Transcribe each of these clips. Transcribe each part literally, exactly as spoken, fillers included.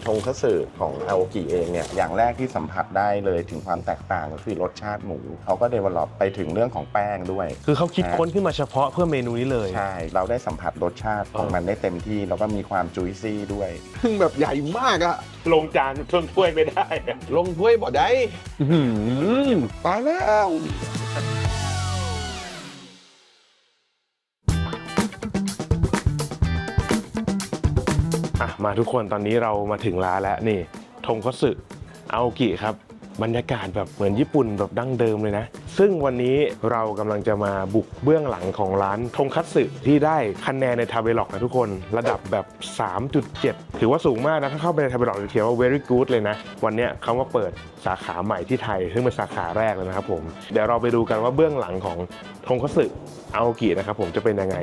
งคัตสึของอาโอกิเองเนี่ยอย่างแรกที่สัมผัสได้เลยถึงความแตกต่างก็คือรสชาติหมูเขาก็เดเวลลอปไปถึงเรื่องของแป้งด้วยคือเขาคิดค้นขึ้นมาเฉพาะเพื่อเมนูนี้เลยใช่เราได้สัมผัสรสชาติของมันได้เต็มที่แล้วก็มีความจุยซี่ด้วยแบบใหญ่มากอะลงจานชนถ้วยไม่ได้ลงถ้วยบ่ได้ตายแล้วมาทุกคนตอนนี้เรามาถึงร้านแล้วนี่ทงคัตสึอาโอกิครับบรรยากาศแบบเหมือนญี่ปุ่นแบบดั้งเดิมเลยนะซึ่งวันนี้เรากำลังจะมาบุกเบื้องหลังของร้านทงคัตสึที่ได้คะแนนในทาเวล็อกนะทุกคนระดับแบบ สามจุดเจ็ด ถือว่าสูงมากนะถ้าเข้าไปในทาเวล็อกจะเขียนว่า very good เลยนะวันนี้เขามาเปิดสาขาใหม่ที่ไทยซึ่งเป็นสาขาแรกเลยนะครับผมเดี๋ยวเราไปดูกันว่าเบื้องหลังของทงคัตสึอาโอกินะครับผมจะเป็นยังไง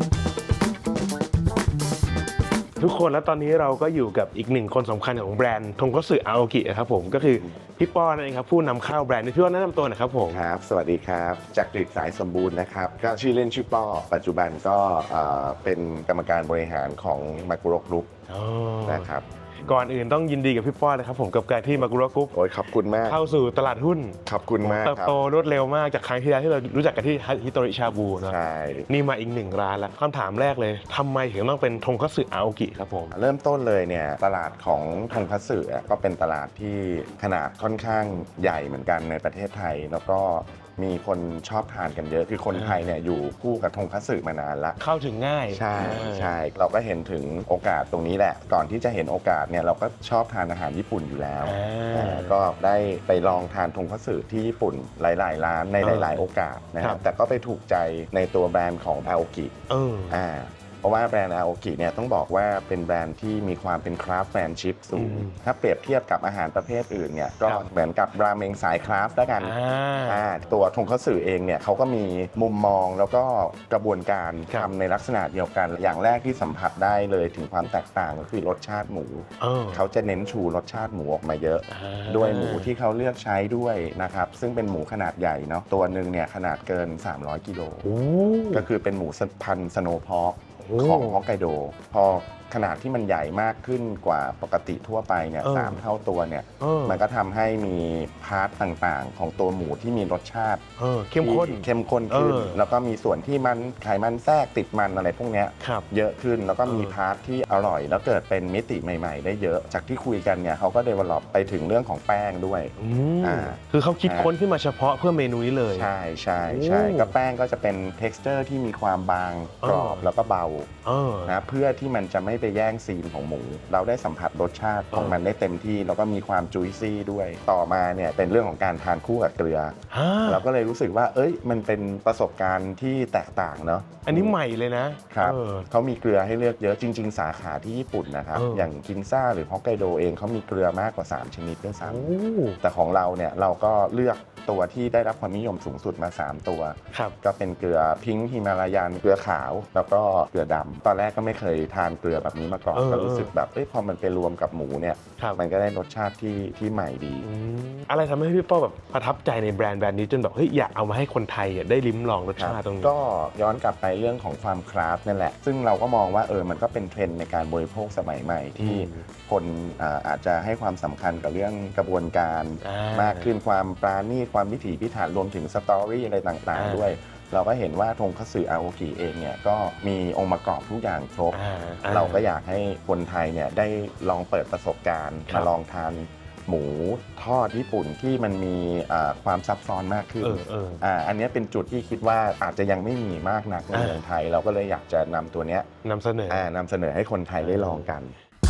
ทุกคนแล้วตอนนี้เราก็อยู่กับอีกหนึ่งคนสำคัญของแบรนด์ทงคัตสึอาโอกินะครับผมก็คือพี่ป้อนั่นเองครับผู้นำเข้าแบรนด์พี่ป้อแนะนำตัวหน่อยครับผมครับสวัสดีครับจักริดสายสมบูรณ์นะครับก็ชื่อเล่นชื่อป้อปัจจุบันก็เป็นกรรมการบริหารของมากุโระกรุ๊ปนะครับก่อนอื่นต้องยินดีกับพี่ป้อนะครับผมกับการที่มากุโระกรุ๊ปโอ้ยขอบคุณมากเข้าสู่ตลาดหุ้นขอบคุณมากเติบโตรวดเร็วมากจากครั้งที่แล้วที่เรารู้จักกันที่ฮิโตริชาบูเนาะใช่นี่มาอีกหนึ่งร้านแล้วคำถามแรกเลยทำไมถึงต้องเป็นทงคัตสึอาโอกิครับผมเริ่มต้นเลยเนี่ยตลาดของทงคัตสึก็เป็นตลาดที่ขนาดค่อนข้างใหญ่เหมือนกันในประเทศไทยแล้วก็มีคนชอบทานกันเยอะคือคนไทยเนี่ยอยู่คู่กับทงคัตสึมานานละเข้าถึงง่ายใช่ใช่เราก็เห็นถึงโอกาสตรงนี้แหละก่อนที่จะเห็นโอกาสเนี่ยเราก็ชอบทานอาหารญี่ปุ่นอยู่แล้วก็ได้ไปลองทานทงคัตสึที่ญี่ปุ่นหลายๆร้านในหลายๆโอกาสนะครับแต่ก็ไปถูกใจในตัวแบรนด์ของอาโอกิอ่าเพราะว่าแบรนด์อาโอกิเนี่ยต้องบอกว่าเป็นแบรนด์ที่มีความเป็นคราฟต์แมนชิพสูงถ้าเปรียบเทียบกับอาหารประเภทอื่นเนี่ยก็เหมือนกับราเมงสายคราฟต์แล้วกันตัวทงคัตสึเองเนี่ยเขาก็มีมุมมองแล้วก็กระบวนการทำในลักษณะเดียวกันอย่างแรกที่สัมผัสได้เลยถึงความแตกต่างก็คือรสชาติหมูเขาจะเน้นชูรสชาติหมูออกมาเยอะด้วยหมูที่เขาเลือกใช้ด้วยนะครับซึ่งเป็นหมูขนาดใหญ่เนาะตัวหนึ่งเนี่ยขนาดเกินสามร้อยกิโลก็คือเป็นหมูพันธุ์สโนว์พอกของฮอกไกโดพอขนาดที่มันใหญ่มากขึ้นกว่าปกติทั่วไปเนี่ยสามเท่าตัวเนี่ยมันก็ทำให้มีพาร์ทต่างๆของตัวหมูที่มีรสชาติเข้มข้นเข้มข้นขึ้นแล้วก็มีส่วนที่มันไขมันแทรกติดมันอะไรพวกนี้เยอะขึ้นแล้วก็มีพาร์ทที่อร่อยแล้วเกิดเป็นมิติใหม่ๆได้เยอะจากที่คุยกันเนี่ยเขาก็เดเวลลอปไปถึงเรื่องของแป้งด้วยอ่าคือเขาคิดค้นขึ้นมาเฉพาะเพื่อเมนูนี้เลยใช่ใช่ใช่ก็แป้งก็จะเป็น texture ที่มีความบางกรอบแล้วก็เบานะเพื่อที่มันจะไม่ไปแย่งซีนของหมูเราได้สัมผัสรสชาติของมันได้เต็มที่แล้วก็มีความจุยซี่ด้วยต่อมาเนี่ยเป็นเรื่องของการทานคู่กับเกลือเราก็เลยรู้สึกว่าเอ้ยมันเป็นประสบการณ์ที่แตกต่างเนาะอันนี้ใหม่เลยนะครับเขามีเกลือให้เลือกเยอะจริงๆสาขาที่ญี่ปุ่นนะครับอย่างกินซ่าหรือฮอกไกโดเองเขามีเกลือมากกว่าสามชนิดด้วยซ้ำแต่ของเราเนี่ยเราก็เลือกตัวที่ได้รับความนิยมสูงสุดมาสามตัวก็เป็นเกลือพิงค์ฮิมาลายันเกลือขาวแล้วก็เกลือดำตอนแรกก็ไม่เคยทานเกลือแบบนี้มาก่อนก็รู้สึกแบบเอ้ยพอมันไปรวมกับหมูเนี่ยมันก็ได้รสชาติที่ที่ใหม่ดีอะไรทำให้พี่ป้อแบบประทับใจในแบรนด์แบรนด์นี้จนแบบเฮ้ยอยากเอามาให้คนไทยได้ลิ้มลองรสชาติตรงนี้ก็ย้อนกลับไปเรื่องของความคราฟต์นั่นแหละซึ่งเราก็มองว่าเออมันก็เป็นเทรนด์ในการบริโภคสมัยใหม่ที่คนอาจจะให้ความสำคัญกับเรื่องกระบวนการมากขึ้นความปราณีตความพิถีพิถันรวมถึงสตอรี่อะไรต่างๆด้วยเราก็เห็นว่าทงคัตสึอาโอกิเองเนี่ยก็มีองค์ประกอบทุกอย่างครบเราก็อยากให้คนไทยเนี่ยได้ลองเปิดประสบการณ์มาลองทานหมูทอดญี่ปุ่นที่มันมีความซับซ้อนมากขึ้นอันนี้เป็นจุดที่คิดว่าอาจจะยังไม่มีมากนักในเมืองไทยเราก็เลยอยากจะนำตัวนี้นำเสนอนำเสนอให้คนไทยได้ลองกัน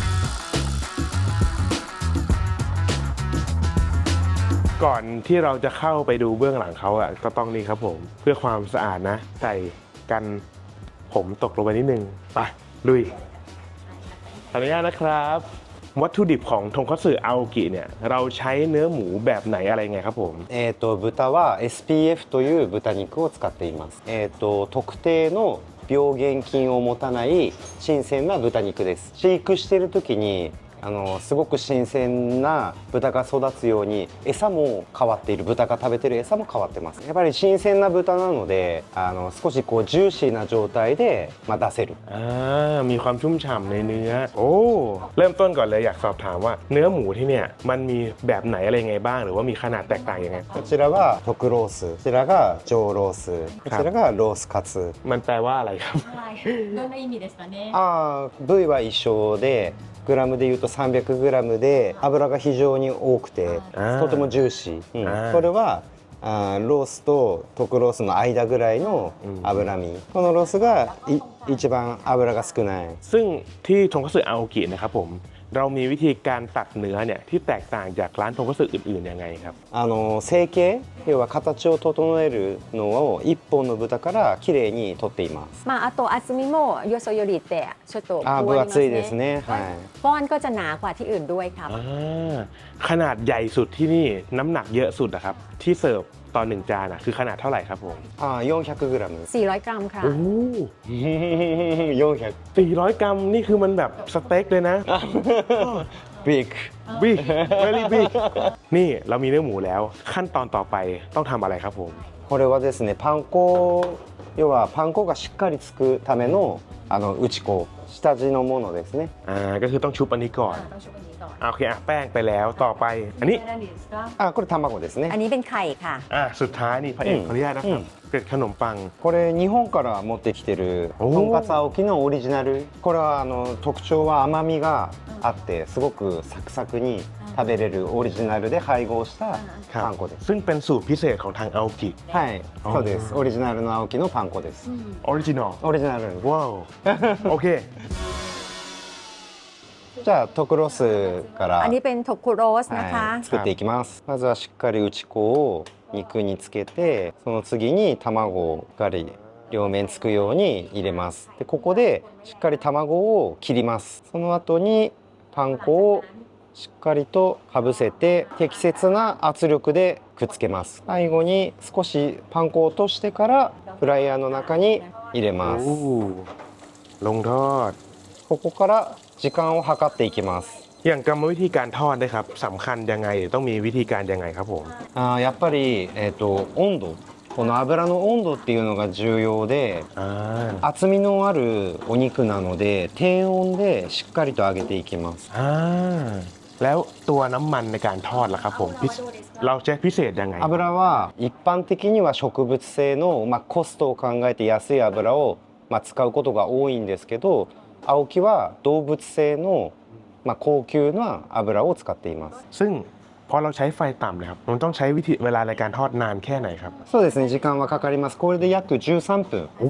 ก่อนที่เราจะเข้าไปดูเบื้องหลังเขาอ่ะก็ต้องนี่ครับผมเพื่อความสะอาดนะใส่กันผมตกลงไปนิดนึงไปลุยขออนุญาตนะครับวัตถุดิบของทงคัตสึอาโอกิเนี่ยเราใช้เนื้อหมูแบบไหนอะไรไงครับผมえっと豚は エスピーエフ という豚肉を使っていますえっと特定の病原菌を持たない新鮮な豚肉です飼育している時にあのすごく新鮮な豚が育つように餌も変わっている、豚が食べてる餌も変わってます。やっぱり新鮮な豚なのであの少しこうジューシーな状態で、まあ、出せる。 อ่ามีความชุ่มฉ่ำในเนื้อโอ้เริ่มต้นก่อนเลยอยากสอบถามว่าเนื้อหมูที่เนี่ยมันมีแบบไหนอะไรยังไงบ้างหรือว่ามีขนาดแตกต่างยังไงこちらが特ロース、こちらが上ロース、こちらがロースカツ。 มันแปลว่าอะไรครับどんな意味ですかね。 あー部位は一緒でグラムでいうと さんびゃくグラム で脂が非常に多くてあーとてもジューシー、うんあーこれはあーロースと特ロースの間ぐらいの脂身、このロースがい一番脂が少ない。 ซึ่งที่ทงคัตสึอาโอกินะครับผมเรามีวิธีการตัดเนื้อเนี่ยที่แตกต่างจากร้านทงคัตสึอื่นๆยังไงครับあの成形、要は形を整えるのを一本の豚からきれいに取っています。 まああと厚みもよそよりってちょっとあー分厚いですね。はい。 ก้อนก็จะหนากว่าที่อื่นด้วยครับอ่าขนาดใหญ่สุดที่นี่น้ำหนักเยอะสุดนะครับที่เสิร์ฟตอนหนึ่งจานอะคือขนาดเท่าไหร่ครับผมあー よんひゃくグラム。 สี่ร้อยกรัมค่ะโอ้โหよんひゃく。 สี่ร้อยกรัมนี่คือมันแบบสเต็กเลยนะビッグ。 บิ๊ก very big นี่เรามีเนื้อหมูแล้วขั้นตอนต่อไปต้องทำอะไรครับผมこれはですね、パン粉、要はパン粉がしっかりつくためのあの打ち粉、下地のものですね。 อ่าก็คือต้องชุบอันนี้ก่อนต้องชุบอันนี้ก่อนอ่าโอเคอ่ะแป้งไปแล้วต่อไปอันนี้あ、これ卵ですねอัน。นี้เป็นไข่ค่ะอ่ะสุดท้ายนี่พระเอกอืมขออนุญาตนะครับอืมเกล็ดขนมปังこれ日本から持ってきてるおーとんかつ青木のオリジナル。これはあの特徴は甘みがあってすごくサクサクに食べれるオリジナルで配合したครับパン粉です。 ซึ่งเป็นสูตรพิเศษของทางอาโอกิはい、 あーそうです。オリジナルの青木のパン粉です。 ออริจินอลオリジナル。 ว้าวโอเคじゃあ特ロスからอันนี้เป็นโทคุโรสนะคะはい、作っていきます。まずはしっかり打ち粉を肉につけて、その次に卵をしっかり両面つくように入れます。でここでしっかり卵を切ります。その後にパン粉をしっかりとかぶせて適切な圧力でくっつけます。最後に少しパン粉を落としてからフライヤーの中に入れます。 โอ้ลงทอดここから時間を計っていきます。 อย่างกรรมวิธีการทอดนะครับสำคัญยังไงหรือต้องมีวิธีการยังไงครับผมあーやっぱり、えー、と温度、この油の温度っていうのが重要で、 อ่า厚みのあるお肉なので低温でしっかりと揚げていきます。 อ่าแล้วตัวน้ำมันในการทอดล่ะครับผมพิเศเราใช้พิเศษยังไง油は一般的には植物性の、まあ、コストを考えて安い油を、まあ、使うことが多いんですけど、青木は動物性の、まあ、高級な油を使っています。 ซึ่งพอเราใช้ไฟต่ำเลยครับมันต้องใช้วิธีเวลาในการทอดนานแค่ไหนครับそうですね、時間はかかります。これで約じゅうさんぷんโอ้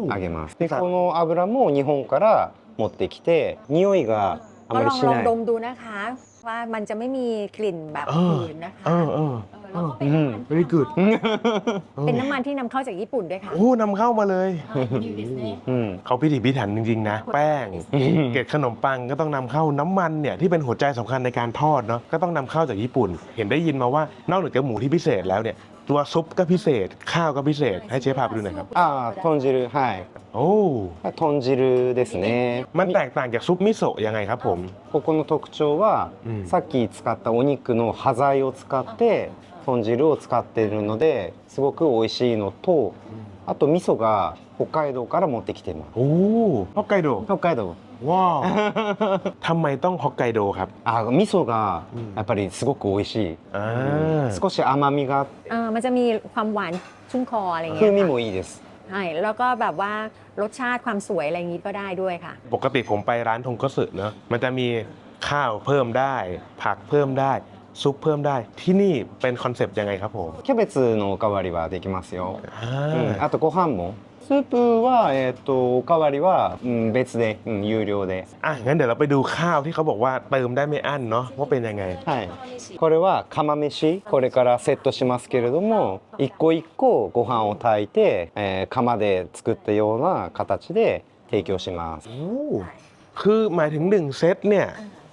揚げます。でこの油も日本から持ってきて匂いがあก็まลりองしลองないดมดูนะคะ ว่ามันจะไม่มีกลิ่นแบบเอออื่นนะคะเออเออเออแล้วก็เป็นอืม very good เป็นน้ำมันที่นำเข้าจากญี่ปุ่นด้วยค่ะโอ้นำเข้ามาเลยうん、 เขาพิถีพิถันจริงๆนะ แป้ง เกล็ดขนมปังก็ต้องนำเข้าน้ำมันเนี่ยที่เป็นหัวใจสำคัญในการทอดเนาะก็ต้องนำเข้าจากญี่ปุ่น เห็นได้ยินมาว่านอกจากหมูที่พิเศษแล้วเนี่ยตัวซุปก็พิเศษ ข้าวก็พิเศษให้เชฟพาไปดูหน่อยครับああ豚汁、はい、 โอ้豚汁ですね。 มันแตกต่างจากซุปมิโซะยังไงครับผมここの特徴は、 うんさっき使ったお肉の端材を使って豚汁を使っているのですごく美味しいのと、あと味噌が北海道から持ってきています。 โอ้ฮอกไกโด北海道ว้าวทำไมต้องฮอกไกโดครับあ味噌がうんやっぱりすごく美味しい、 อ่า少し甘みがあってเออมันจะมีความหวานชุ่มคออะไรอย่างเงี้風ย味ค่ะもいいです。 ใช่แล้วก็แบบว่ารสชาติความสวยอะไรอย่างงี้ก็ได้ด้วยค่ะปกติผมไปร้านทงคัตสึเนอะมันจะมีข้าวเพิ่มได้ ผักเพิ่มได้ซุปเพิ่มได้ที่นี่เป็นคอนเซปต์ยังไงครับผมキャベツのおかわりはできますよ、 อ่าうん、あとご飯もスープは、えー、とおかわりは、うん、別で、うん、有料で、 อ่ะงั้นเดี๋ยวเราไปดูข้าวที่เขาบอกว่าเติมได้ไม่อั้นเนาะว่าเป็นยังไงはい、これは釜飯、これからセットしますけれども一個一個ご飯を炊いて、えー釜で作ったような形で提供します。 โอ้คือหมายถึงหนึ่งเซตเนี่ย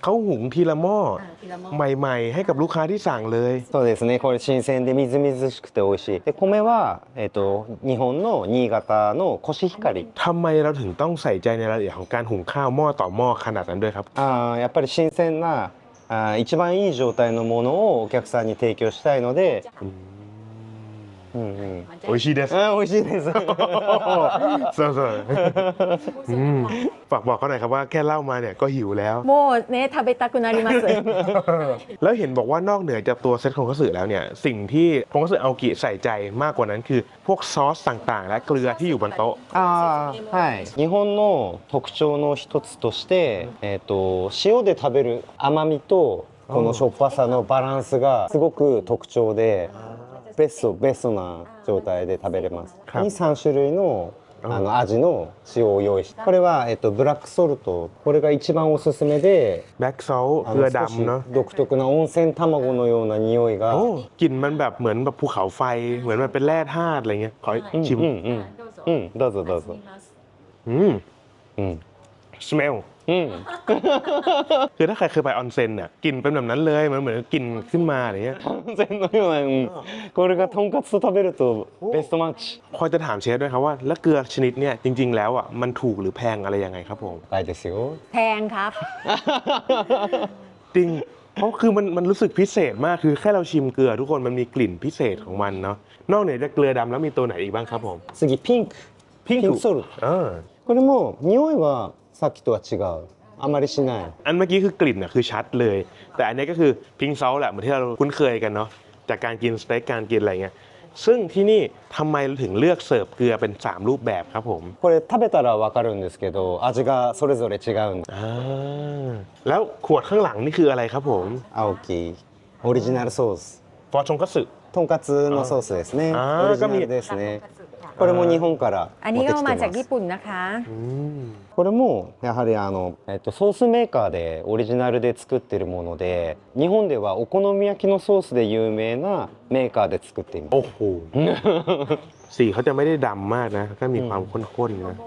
เขาหุงทีละหม้อใหม่ๆให้กับลูกค้าที่สั่งเลยそうですね。これ新鮮でみずみずしくて美味しい。で米はえっ、と日本の新潟のコシヒカリ。 ทำไมเราถึงต้องใส่ใจในรายละเอียดของการหุงข้าวหม้อต่อหม้อขนาดนั้นด้วยครับあーやっぱり新鮮なあー一番いい状態のものをお客さんに提供したいので。うんうん。 โอ้ยชีเดสあー美味しいです。 そうそうอืมฝากบอกเขาหน่อยครับว่าแค่เล่ามาเนี่ยก็หิวแล้วโมเนทาเบตากุนาริมาสึแล้วเห็นบอกว่านอกเหนือจากตัวเซตทงคัตสึแล้วเนี่ยสิ่งที่ทงคัตสึอาโอกิใส่ใจมากกว่านั้นคือพวกซอสต่างๆ และเกลือที่อยู่บนโต๊ะあーはい。日本の特徴の一つとして、えっ、と塩で食べる甘みとこのしょっぱさのバランスがすごく特徴で。ベストベストな状態で食べれます。にさん種類のあの味の塩を用意して、これはえっとブラックソルト、これが一番おすすめで、 แบล็กซอลต์あเกลือの少しดำเนาะ独特な温泉卵のような匂いが。 โอ้กลิ่นมันแบบเหมือนแบบภูเขาไฟเหมือนมันเป็นแร่ธาตุอะไรเงี้ยขอうんชิมうんうんうんどうぞどうぞ。 อืมうんสเมลうん。 คือถ้าใครเคยไปออนเซ็นเนี่ยกลิ่นเป็นแบบนั้นเลยมันเหมือนกลิ่นขึ้นมาอะไรเงี้ย完全のような、うん、これがとんかつと食べるとベストマッチ。 พอจะถามเชฟด้วยครับว่าแล้วเกลือชนิดเนี่ยจริง ๆ แล้วอ่ะมันถูกหรือแพงอะไรยังไงครับผม高いですよ。 แพงครับจริงเพราะคือมันมันรู้สึกพิเศษมากคือแค่เราชิมเกลือทุกคนมันมีกลิ่นพิเศษของมันเนาะนอกเหนือจากเกลือดำแล้วมีตัวไหนอีกบ้างครับผม次ピンク。 ピンクピンクソルト。 เออこれも匂いはさっきとは違う。あまりしない。 อันเมื่อกี้คือกลิ่นน่ะคือชัดเลย แต่อันนี้ก็คือพิงซอลแหละเหมือนที่เราคุ้นเคยกันเนาะจากการกินสเต็กการกินอะไรเงี้ยซึ่งที่นี่ทำไมเราถึงเลือกเสิร์ฟเกลือเป็นสามรูปแบบครับผมこれ食べたらわかるんですけど味がそれぞれ違うんでอ่าแล้วขวดข้างหลังนี่คืออะไรครับผม青木オリジナルソースฟอร์ชงคัตสึとんかつのソースですねあーオリジナルですねこれも日本からอัน持นี้ってก็きてมาまจากすญี่ปุ่นนะคะอืมこれもやはりあの、えっと、ソースメーカーでオリジナルで作ってるもので日本ではお好み焼きのソースで有名なメーカーで作っていますโอ้โห สีเขาจะไม่ได้ดำมากนะก็มีความข้นๆนะ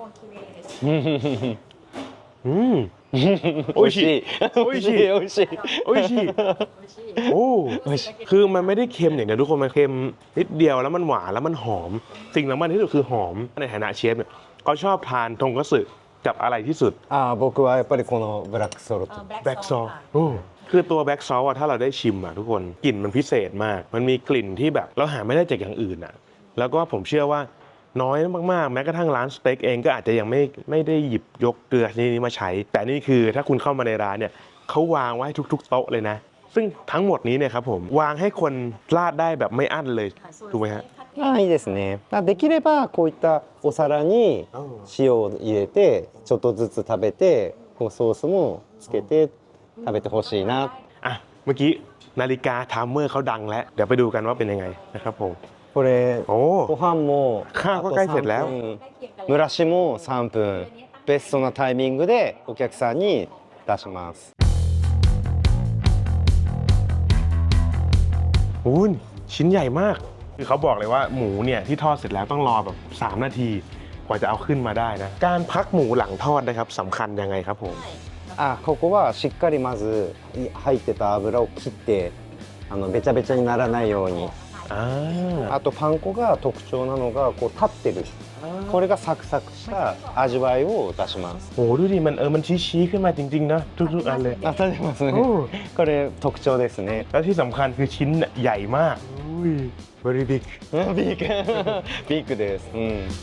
อืม美味しい美味しい美味しいโอ้ยชีโอ้คือมันไม่ได้เค็มอย่างเดียวทุกคนมันเค็มนิดเดียวแล้วมันหวานแล้วมันหอม สิ่งสำคัญที่สุดคือหอมในฐานะเชฟเนี่ยเขาชอบทานทงคัตสึกับอะไรที่สุดあー僕はやっぱりこのブラックソルトแบล็กซอลคือตัวแบล็กซอลอะถ้าเราได้ชิมอะทุกคนกลิ่นมันพิเศษมาก มันมีกลิ่นที่แบบเราหาไม่ได้จากอย่างอื่นอะแล้วก็ผมเชื่อว่าน้อยมากๆแม้กระทั่งร้านสเต็กเองก็อาจจะยังไม่ไม่ได้หยิบยกเกลือชนิดนี้มาใช้ แต่นี่คือถ้าคุณเข้ามาในร้านเนี่ยเขาวางไว้ทุกๆโต๊ะเลยนะ ซึ่งทั้งหมดนี้เนี่ยครับผมวางให้คนราดได้แบบไม่อั้นเลยถูกไหมฮะあーいいですねあできればこういったお皿に塩を入れてちょっとずつ食べてこうソースもつけて食べてほしいなอ่ะเมื่อกี้นาฬิกาไทม์เมอร์เขาดังแล้วเดี๋ยวไปดูกันว่าเป็นยังไงนะครับผมこれโอ้ご飯もข้าวก็ใกล้เสร็จแล้ว蒸らしもさんぷんベストなタイミングでお客さんに出しますอุ้ยชิ้นใหญ่มากคือเขาบอกเลยว่าหมูเนี่ยที่ทอดเสร็จแล้วต้องรอแบบสามนาทีกว่าจะเอาขึ้นมาได้นะการพักหมูหลังทอดนะครับสำคัญยังไงครับผมあここはしっかりまず入ってた油を切ってあのべちゃべちゃにならないようにอ่าあとパン粉が特徴なのがこう立ってるこれがサクサクした味わいを出しますโหดูดิมันเออมันชี้ๆขึ้นมาจริงๆนะทุกๆอันเลยあ立てますねおうこれ特徴ですねแล้วที่สำคัญคือชิ้นใหญ่มากอุ้ย very big ビークビークですうん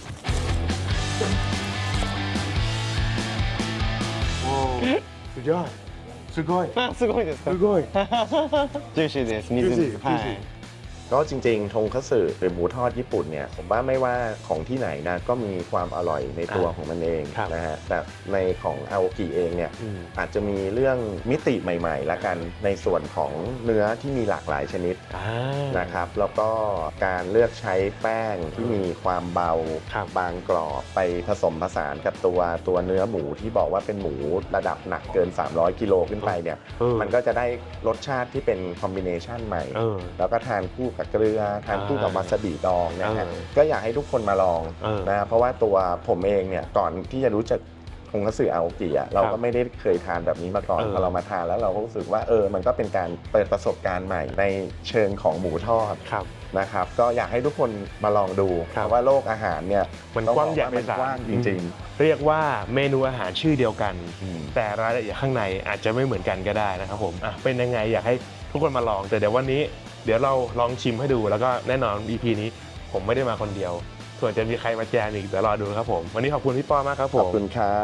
สุดยอดสุดยอดあすごいですかสุดยอดジューシーです水ジューシーはジューシーいก็จริงๆทงคัตสึหรือหมูทอดญี่ปุ่นเนี่ยผมว่าไม่ว่าของที่ไหนนะก็มีความอร่อยในตัวของมันเองครับนะฮะแต่ในของอาโอกิเองเนี่ยอืมอาจจะมีเรื่องมิติใหม่ๆละกันในส่วนของเนื้อที่มีหลากหลายชนิดอ่านะครับแล้วก็การเลือกใช้แป้งที่มีความเบาครับบางกรอบไปผสมผสานกับตัวตัวเนื้อหมูที่บอกว่าเป็นหมูระดับหนักเกินสามร้อยกิโลขึ้นไปเนี่ยเออมันก็จะได้รสชาติที่เป็นคอมบิเนชันใหม่เออแล้วก็ทานคู่กับเกลือทานคู่กับวาซาบิดองนะฮะเออก็อยากให้ทุกคนมาลองเออนะเพราะว่าตัวผมเองเนี่ยก่อนที่จะรู้จักททงคัตสึอาโอกิอ่ะเราก็ไม่ได้เคยทานแบบนี้มาก่อนเออพอเรามาทานแล้วเราก็รู้สึกว่าเออมันก็เป็นการเปิดประสบการณ์ใหม่ในเชิงของหมูทอดครับนะครับก็อยากให้ทุกคนมาลองดูครัเพบราะว่าโลกอาหารเนี่ยมันต้องกว้างบอใหญ่ไพมันศาลกว้างจริงเรียกว่าเมนูอาหารชื่อเดียวกันๆอืมแต่รายละเอียดข้างในอาจจะไม่เหมือนกันก็ได้นะครับผมอ่ะเป็นยังไงอยากให้ทุกคนมาลอง แต่เดี๋ยววันนี้เดี๋ยวเราลองชิมให้ดูแล้วก็แน่นอน อี พี นี้ผมไม่ได้มาคนเดียว ส่วนจะมีใครมาแจมอีกเดี๋ยวรอดูครับผมวันนี้ขอบคุณพี่ป้อมากครับผขอบมคุณครับ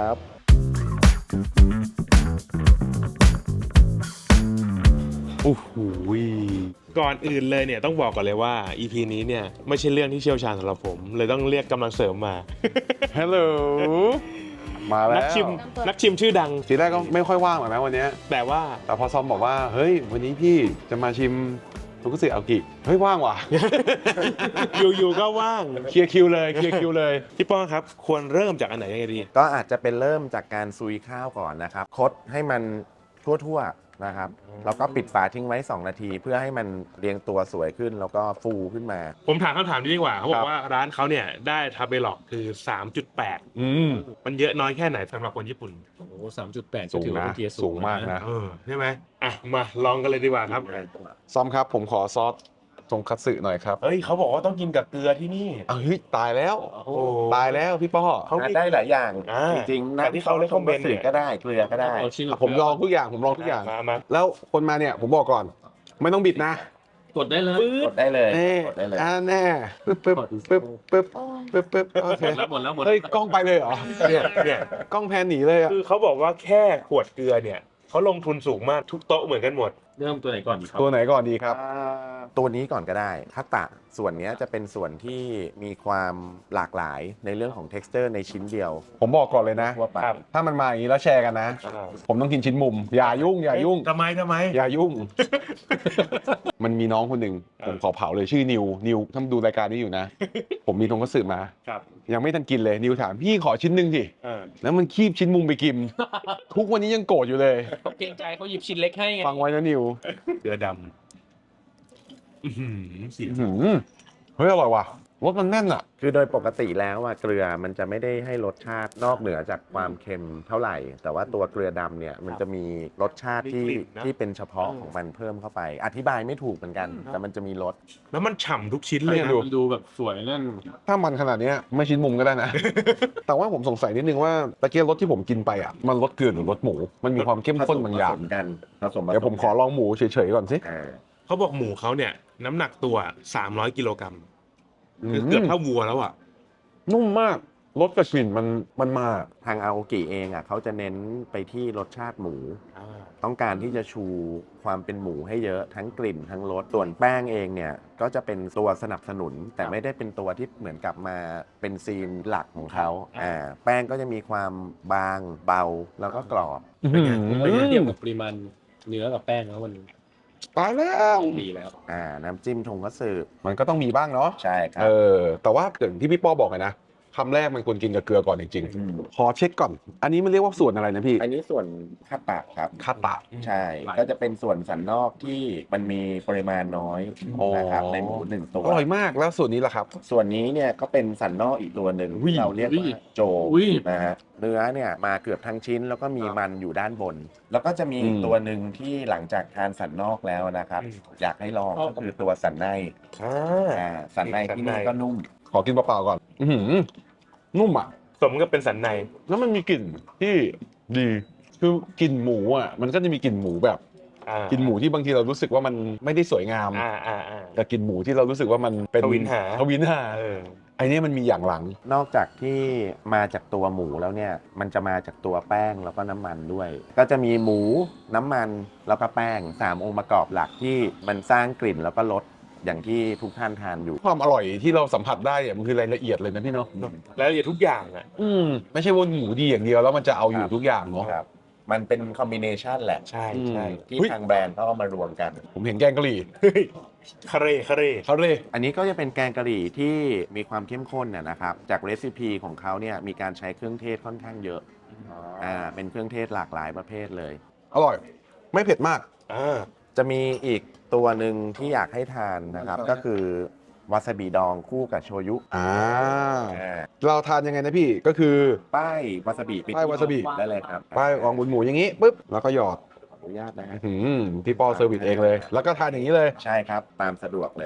โอ้โหก่อนอื่นเลยเนี่ยต้องบอกก่อนเลยว่า อี พี นี้เนี่ยไม่ใช่เรื่องที่เชี่ยวชาญสำหรับผม เลยต้องเรียกกำลังเสริมมาฮัลโหลมาแล้วนักชิมนักชิมชื่อดังทีแรกก็ไม่ค่อยว่างหรอกนะวันเนี้ยแต่ว่าแต่พอซอมบอกว่าเฮ้ยวันนี้พี่จะมาชิมทงคัตสึอาโอกิเฮ้ยว่างว่ะอยู่ๆก็ว่างเคลียร์คิวเลยเคลียร์คิวเลยพี่ป้องครับควรเริ่มจากอันไหนยังไงดีก็อาจจะเป็นเริ่มจากการซุยข้าวก่อนนะครับคดให้มันทั่วๆนะครับแล้วก็ปิดฝาทิ้งไว้ สอง นาที เพื่อให้มันเรียงตัวสวยขึ้นแล้วก็ฟูขึ้นมาผมถามคำถามนี้ดีกว่าเขาบอครักบว่าร้านเขาเนี่ยได้ทาเบล็อกคือ สามจุดแปดอืมมันเยอะน้อยแค่ไหนสำหรับคนญี่ปุ่นโอ้โหสามจุดแปดสูงถือว่านะเป็นเกียร์สูสูงงมากนะเออใช่ไหมอ่ะมาลองกันเลยดีกว่าครับซอมครับผมขอซอสทงคัตสึหน่อยครับเฮ้ยเขาบอกว่าต้องกินกับเกลือที่นี่อ้าวเฮ้ยตายแล้วโอ้ตายแล้วพี่ป้อเขามีได้หลายอย่างอ่าจริงๆแต่ที่เขา recommend เนี่ยก็ได้เกลือก็ได้เอาชิ้นกับผมลองทุกอย่างผมลองทุกอย่างมามาแล้วคนมาเนี่ยผมบอกก่อน ไม่ต้องบิดนะกดได้เลยกดได้เลยเน่กดได้เลยอ่าแน่ปึ๊บปึ๊บปึ๊บปึ๊บปึ๊บปึ๊บโอเคหมดแล้วหมดแล้วหมดแล้วเฮ้ยกล้องไปเลยเหรอเนี่ยเนี่ยกล้องแพนหนีเลยอ่ะคือเขาบอกว่าแค่ขวดเกลือเนี่ยเขาลงทุนสูงมากทุกโต๊ะเหมือนกันหมดเริ่มตัวไหนก่อนดีครับตัวไหนก่อนดีครับอ่าตัวนี้ก่อนก็ได้ทัตตะส่วนเนี้ยจะเป็นส่วนที่มีความหลากหลายในเรื่องของ texture ในชิ้นเดียวผมบอกก่อนเลยนะทั่วไปครับถ้ามันมาอย่างนี้แล้วแชร์กันนะ ผมต้องกินชิ้นมุม อย่ายุ่ง อย่ายุ่งทำไมทำไมอย่ายุ่ง มันมีน้องคนหนึ่งผมขอเผาเลยชื่อนิว นิวถ้าดูรายการนี้อยู่นะ ผมมีทงคัตสึมาครับยังไม่ทันกินเลย นิวถามพี่ขอชิ้นหนึ่งสิเออแล้วมันคีบชิ้นมุมไปกิน ทุกวันนี้ยังโกรธอยู่เลยเขาเกรงใจเขาหยิบชิ้นเล็กให้ไงฟังไว้นะนิวเกลือดำอื้อหือเสียงอื้อหือเฮ้ยอร่อยว่ะรสมันแน่นอ่ะคือโดยปกติแล้วอะเกลือมันจะไม่ได้ให้รสชาตินอกเหนือจากความเค็มเท่าไหร่ แต่ว่าตัวเกลือดำเนี่ยมันจะมีรสชาติที่ที่เป็นเฉพาะของมันเพิ่มเข้าไป อธิบายไม่ถูกเหมือนกัน แต่มันจะมีรสแล้วมันฉ่ำทุกชิ้นเลยเนี่นะยดูมันดูแบบสวยนั่นถ้ามันขนาดเนี้ยไม่ชิ้นมุมก็ได้นะ แต่ว่าผมสงสัยนิดนึงว่าตะเกียบรสที่ผมกินไปอ่ะมันรสเกลือหรือรสหมู มันมีความเข้มข้นบางอย่างผสมกันผสมเดี๋ยวผมขอลองหมูเฉยๆก่อนสิอ่าเขาบอกหมูเขาเนี่ยน้ำหนักตัวสามร้อยกิโลกรัมคือเกือบเท่าวัวแล้วอ่ะนุ่มมากรสกับกลิ่นมันมันมาทางอาโอกิเองอะเขาจะเน้นไปที่รสชาติหมู ต้องการที่จะชูความเป็นหมูให้เยอะทั้งกลิ่นทั้งรสส่วนแป้งเองเนี่ยก็จะเป็นตัวสนับสนุน แต่ไม่ได้เป็นตัวที่เหมือนกับมาเป็นซีนหลักของเขาอ่าแป้งก็จะมีความบางเบาแล้วก็กรอบเป็นไงแล้วเทียบกับปริมาณเนื้อกับแป้งแล้วมันตายแล้วดีแล้วอ่าน้ำจิ้มทงคัตสึมันก็ต้องมีบ้างเนาะใช่ครับเออแต่ว่าอย่างที่พี่ป้อบอกไงนะคำแรกมันควรกินกับเกลือก่อนจริงอืมๆขอเช็คก่อน อันนี้มันเรียกว่าส่วนอะไรนะพี่อันนี้ส่วนคาตะครับคาตะใช่ ก็จะเป็นส่วนสันนอกที่มันมีปริมาณน้อยอ๋อนะครับในหมูหนึ่งตัวอร่อยมากแล้วส่วนนี้ล่ะครับส่วนนี้เนี่ยก็เป็นสันนอกอีกตัวหนึ่งอุ้ยที่เราเรียกอุ้ว่าย โจอุ้ยนะฮะเนื้อเนี่ยมาเกือบทั้งชิ้นแล้วก็มีมันอยู่ด้านบน แล้วก็จะมีอีกอืมตัวหนึ่งที่หลังจากทานสันนอกแล้วนะครับอืมอยากให้ลองก็คือตัวสันในอ่าอ่าสันในที่นี่ก็นุ่มขอกินเปล่าๆก่อน อื้อหือนุ่มอ่ะสมกับเป็นสันในแล้วมันมีกลิ่นที่ดี คือกลิ่นหมูอ่ะ มันก็จะมีกลิ่นหมูแบบอ่ากลิ่นหมูที่บางทีเรารู้สึกว่ามันไม่ได้สวยงามอ่าอ่าอ่าแต่กลิ่นหมูที่เรารู้สึกว่ามันเป็นทวินหาทวินหาเออไอ้นี่มันมีอย่างหลังนอกจากที่มาจากตัวหมูแล้วเนี่ยมันจะมาจากตัวแป้งแล้วก็น้ำมันด้วย ก็จะมีหมูน้ำมันแล้วก็แป้งสามองค์ประกอบหลักที่มันสร้างกลิ่นแล้วก็รสอย่างที่ทุกท่านทานอยู่ความอร่อยที่เราสัมผัสได้เนี่ยมันคือรายละเอียดเลยนะพี่เนาะแล้วอย่าทุกอย่างอ่ะอืมไม่ใช่ว่าหมูดีอย่างเดียวแล้วมันจะเอาอยู่ทุกอย่างเนาะครับ มันเป็นคอมบิเนชันแหละใช่อืมใช่ที่เฮ้ยทางแบรนด์เขาเอามารวมกันผมเห็นแกงกะหรี่เฮ้ยคาเร่คาเร่เขาเลยอันนี้ก็จะเป็นแกงกะหรี่ที่มีความเข้มข้นน่ะนะครับ จากเรซิปีของเขาเนี่ยมีการใช้เครื่องเทศค่อนข้างเยอะอ่าเป็นเครื่องเทศหลากหลายประเภทเลยอร่อย ไม่เผ็ดมากอ่าจะมีอีกตัวหนึ่งที่อยากให้ทานนะครับ ก็คือวาซาบิดองคู่กับโชยุอ่าอ่าเราทานยังไงนะพี่ก็คือป้ายวาซาบิไปป้ายวาซาบิได้เลยครับป้ายของบุญหมูอย่างนี้ปุ๊บแล้วก็หยอดขออนุญาตนะฮะหืมพี่ปอเซอร์วิสเองเลย แล้วก็ทานอย่างนี้เลยใช่ครับตามสะดวกเลย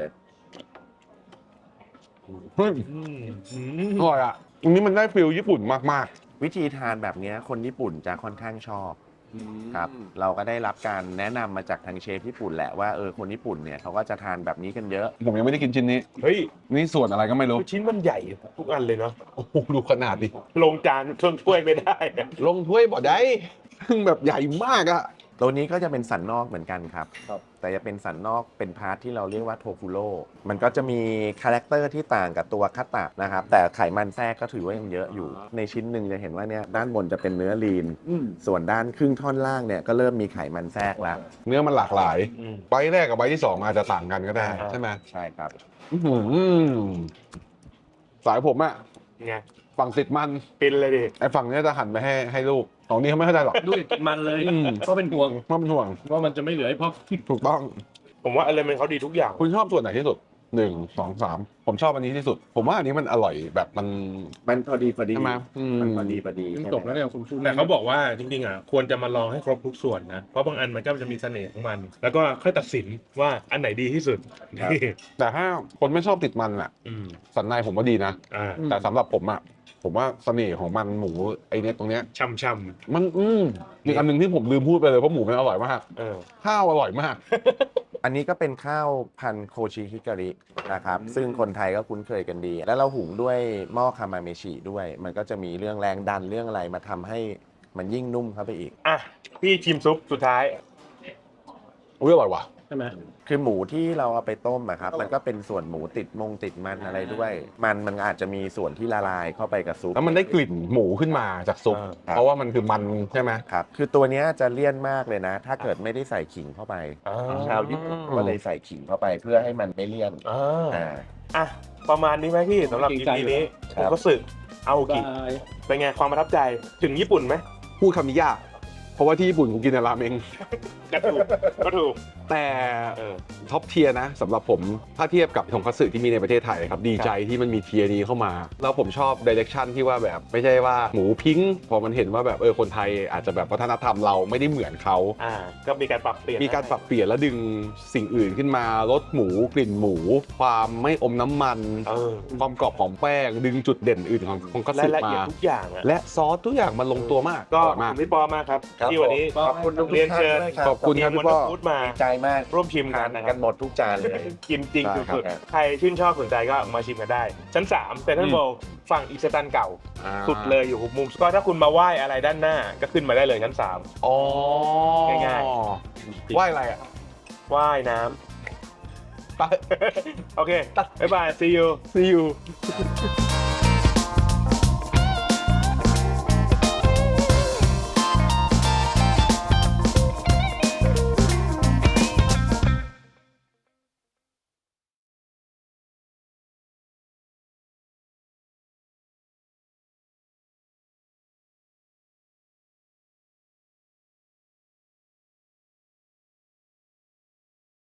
เฮ้ยอร่อยอ่ะอันนี้มันได้ฟิลญี่ปุ่นมากวิธีทานแบบเนี้ยคนญี่ปุ่นจะค่อนข้างชอบครับเราก็ได้รับการแนะนำมาจากทางเชฟญี่ปุ่นแหละว่าเออคนญี่ปุ่นเนี่ยเขาก็จะทานแบบนี้กันเยอะๆ ผมยังไม่ได้กินชิ้นนี้เฮ้ยนี่ส่วนอะไรก็ไม่รู้ชิ้นมันใหญ่ทุกอันเลยเนาะโอ้โหดูขนาดดิลงจานเครื่องถ้วยไม่ได้อะลงถ้วยบ่ได้ซึ่งแบบใหญ่มากอะตัวนี้ก็จะเป็นสันนอกเหมือนกันครับ แต่จะเป็นสันนอกเป็นพาร์ทที่เราเรียกว่าโทฟูโร่มันก็จะมีคาแรคเตอร์ที่ต่างกับตัวคัตตะนะครับ แต่ไขมันแทรกก็ถือว่ายังเยอะอยู่ ในชิ้นหนึ่งจะเห็นว่าเนี่ยด้านบนจะเป็นเนื้อลีน ส่วนด้านครึ่งท่อนล่างเนี่ยก็เริ่มมีไขมันแทรกแล้วเนื้อมันหลากหลายอืมใบแรกกับใบที่สองอาจจะต่างกันก็ได้อ่าใช่ไหมใช่ครับอื้อหือสายผมอะไงฝั่งติดมันปินเลยดิไอ้ฝั่งเนี้ยจะหันไปให้ให้ลูกของนี้เขาไม่เข้าใจหรอกดูดิมันเลยอืมก็เป็นห่วงว่ามันห่วงว่ามันจะไม่เหลือให้พ่อถูกต้องผมว่าอะไรมันเขาดีทุกอย่างคุณชอบส่วนไหนที่สุดหนึ่งสองสามผมชอบอันนี้ที่สุด ผมว่าอันนี้มันอร่อยแบบมันมันพอดีพอดีใช่ไหมอืมมันพอดีพอดียังจบแล้วเนี่ยคุณพูดแต่เขาบอกว่าจริงๆอ่ะควรจะมาลองให้ครบทุกส่วนนะ เพราะบางอันมันก็จะมีเสน่ห์ของมัน แล้วก็ค่อยตัดสินว่าอันไหนดีที่สุดนี่แต่ถ้าคนไม่ชอบติดมันอะอืมสันในผมว่าดีนะอ่าแต่สำหรับผมอะผมว่าเสน่ห์ของมันหมูไอเนี้ยตรงเนี้ยช่ำช่มันอืมอีกอันหนึ่งที่ผมลืมพูดไปเลยเพราะหมูมันอร่อยมากำเออข้าวอร่อยมากอันนี้ก็เป็นข้าวพันธุ์โคชิฮิการินะครับ ซึ่งคนไทยก็คุ้นเคยกันดี แล้วเราหุงด้วยหม้อคามาเมชิด้วย มันก็จะมีเรื่องแรงดันเรื่องอะไรมาทำให้มันยิ่งนุ่มเข้าไปอีกอ่ะ พี่ชิมซุปสุดท้ายอุ้ยอร่อยว่ะใช่ไหมคือหมูที่เราเอาไปต้มอะครับมันก็เป็นส่วนหมูติดมงติดมันอะไรด้วย มันมันอาจจะมีส่วนที่ละลายเข้าไปกับซุปแล้วมันได้กลิ่นหมูขึ้นมาจากซุปอ่าครับเพราะว่ามันคือมันใช่ไหมครับคือตัวเนี้ยจะเลี่ยนมากเลยนะ ถ้าเกิดไม่ได้ใส่ขิงเข้าไปอ่าชาวญี่ปุ่นก็เลยใส่ขิงเข้าไปเพื่อให้มันไม่เลี่ยนอ่าอ่าอ่ะ ประมาณนี้ไหมพี่สำหรับ อี พี นี้คผรับมก็สึกเอากิบายเป็นไงความประทับใจถึงญี่ปุ่นไหมพูดคำนี้ยาก เพราะว่าที่ญี่ปุ่นผมกินแต่ราเมงก็ถูกก็ถูกแต่เออท็อปเทียร์นะสำหรับผมถ้าเทียบกับทงคัตสึที่มีในประเทศไทยครับดีใจที่มันมีเทียร์นี้เข้ามา แล้วผมชอบดิเรกชันที่ว่าแบบไม่ใช่ว่าหมูพิงค์พอมันเห็นว่าแบบเออคนไทยอาจจะแบบวัฒนธรรมเราไม่ได้เหมือนเขาอ่า ก็มีการปรับเปลี่ยนมีการปรับเปลี่ยนและดึงสิ่งอื่นขึ้นมาลดหมูกลิ่นหมู ความไม่อมน้ำมันเออความกรอบของแป้ง ดึงจุดเด่นอื่นของของคัตรายสึละเอียดมาทุกอย่างอะและซอสทุกอย่างมันลงตัวมากก็อขร่อยอบมาคุกณพี่ปอมากครับครับที่วันนี้ขอบคุณทุกเรียนเชิญท่านด้วยครับขอบคุณครับทีมพี่ปอวันฟูดมาดีใจมากร่วมชิมกันทานนะคกัรับนหมดทุกจานเลยกินจริงได้ครับสุดๆใครชื่นชอบสนใจก็มาชิมกันได้ ชั้นสามเซ็นทรัลเวิลด์ฝั่งอีสตันเก่าอ่าสุดเลยอยู่หุบมุมก็ถ้าคุณมาไหว้อะไรด้านหน้าก็ขึ้นมาได้เลยชั้นสามอ๋อง่ายไหว้อะไรอ่ะไหว้น้ไปำ โอเค บ๊ายบาย see you see you